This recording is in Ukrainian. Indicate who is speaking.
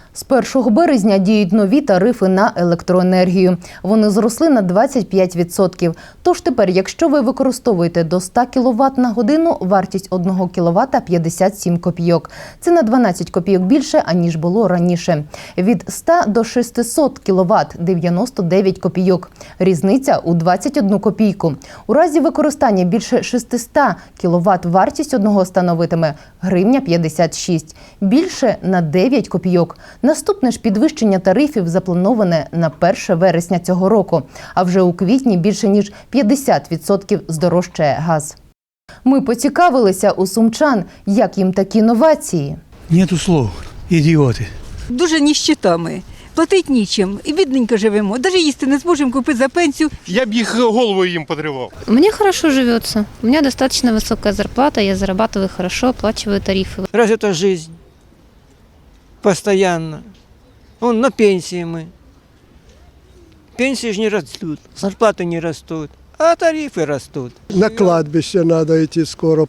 Speaker 1: З 1 березня діють нові тарифи на електроенергію. Вони зросли на 25%. Тож тепер, якщо ви використовуєте до 100 кВт на годину, вартість 1 кВт – 57 копійок. Це на 12 копійок більше, аніж було раніше. Від 100 до 600 кВт – 99 копійок. Різниця у 21 копійку. У разі використання більше 600 кВт вартість одного становитиме гривня 56. Більше – на 9 копійок. Наступне ж підвищення тарифів заплановане на 1 вересня цього року. А вже у квітні більше ніж 50% здорожчає газ. Ми поцікавилися у сумчан, як їм такі новації.
Speaker 2: Нету слов, ідіоти.
Speaker 3: Дуже ніщита ми. Платить нічим. І бідненько живемо. Навіть їсти не зможемо купити за пенсію.
Speaker 4: Я б їх головою їм подривав.
Speaker 5: Мне хорошо живется. У меня достаточно высокая зарплата, я зарабатываю хорошо, оплачиваю тарифы.
Speaker 6: Разве это жизнь? Постоянно. Вон на пенсии мы. Пенсии же не растут, зарплаты не растут, а тарифы растут.
Speaker 7: На кладбище надо идти скоро.